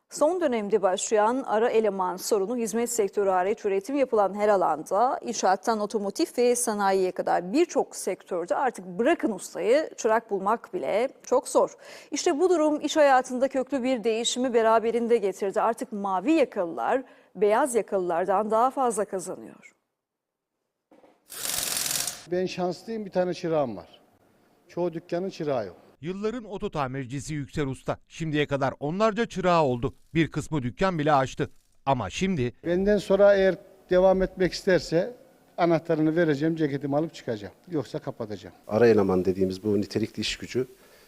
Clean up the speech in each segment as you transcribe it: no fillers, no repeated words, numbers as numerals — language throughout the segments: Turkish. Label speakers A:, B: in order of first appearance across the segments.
A: Son dönemde başlayan ara eleman sorunu hizmet sektörü hariç üretim yapılan her alanda inşaattan otomotiv ve sanayiye kadar birçok sektörde artık bırakın ustayı çırak bulmak bile çok zor. İşte bu durum iş hayatında köklü bir değişimi beraberinde getirdi. Artık mavi yakalılar beyaz yakalılardan daha fazla kazanıyor.
B: Ben şanslıyım, bir tane çırağım var. Çoğu dükkanın çırağı yok.
C: Yılların oto tamircisi Yüksel Usta. Şimdiye kadar onlarca çırağı oldu. Bir kısmı dükkan bile açtı. Ama şimdi
B: Benden sonra eğer devam etmek isterse anahtarını vereceğim, ceketimi alıp çıkacağım. Yoksa kapatacağım.
D: Ara eleman dediğimiz bu nitelikli iş gücü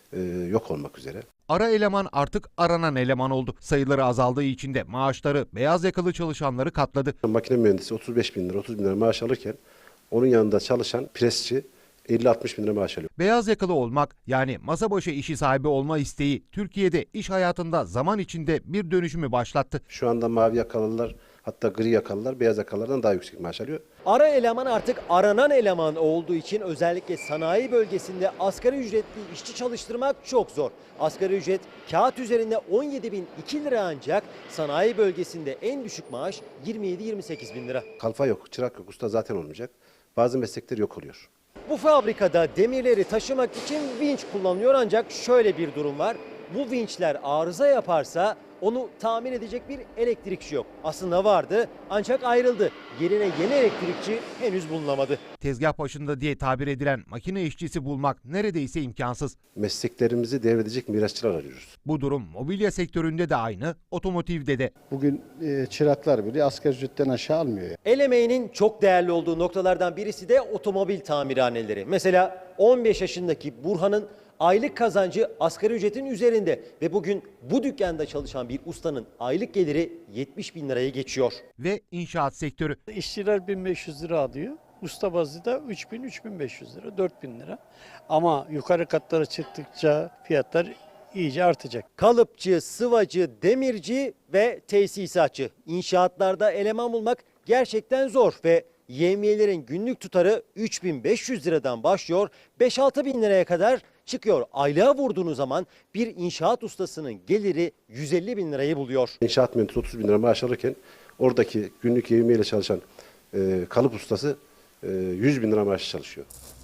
D: yok olmak üzere.
C: ara eleman artık aranan eleman oldu. Sayıları azaldığı için de maaşları beyaz yakalı çalışanları katladı.
D: Makine mühendisi 35 bin lira, 30 bin lira maaş alırken onun yanında çalışan presçi 50-60 bin lira maaş alıyor.
C: Beyaz yakalı olmak, yani masa başı işi sahibi olma isteği Türkiye'de iş hayatında zaman içinde bir dönüşümü başlattı.
D: Şu anda mavi yakalılar, hatta gri yakalılar beyaz yakalılardan daha yüksek maaş alıyor.
E: Ara eleman artık aranan eleman olduğu için özellikle sanayi bölgesinde asgari ücretli işçi çalıştırmak çok zor. Asgari ücret kağıt üzerinde 17.002 lira, ancak sanayi bölgesinde en düşük maaş 27-28 bin lira.
D: Kalfa yok, çırak yok, usta zaten olmayacak. Bazı meslekler yok oluyor.
E: Bu fabrikada demirleri taşımak için vinç kullanılıyor, ancak şöyle bir durum var. Bu vinçler arıza yaparsa onu tamir edecek bir elektrikçi yok. Aslında vardı ancak ayrıldı. Yerine yeni elektrikçi henüz bulunamadı.
C: Tezgah başında diye tabir edilen makine işçisi bulmak neredeyse imkansız.
D: Mesleklerimizi devredecek mirasçılar arıyoruz.
C: Bu durum mobilya sektöründe de aynı, otomotivde de.
B: Bugün çıraklar bile asgari ücretten aşağı almıyor. Yani.
E: El emeğinin çok değerli olduğu noktalardan birisi de otomobil tamirhaneleri. Mesela 15 yaşındaki Burhan'ın aylık kazancı asgari ücretin üzerinde ve bugün bu dükkanda çalışan bir ustanın aylık geliri 70 bin liraya geçiyor.
C: Ve inşaat sektörü.
F: İşçiler 1500 lira alıyor. Usta bazı da 3000-3500 lira, 4000 lira. Ama yukarı katlara çıktıkça fiyatlar iyice artacak.
E: Kalıpçı, sıvacı, demirci ve tesisatçı. İnşaatlarda eleman bulmak gerçekten zor ve yevmiyelerin günlük tutarı 3500 liradan başlıyor, 5-6 bin liraya kadar çıkıyor. Aylığa vurduğunuz zaman bir inşaat ustasının geliri 150 bin lirayı buluyor.
D: İnşaat mühendisi 30 bin lira maaş alırken oradaki günlük yevmiyeyle çalışan kalıp ustası 100 bin lira maaş çalışıyor.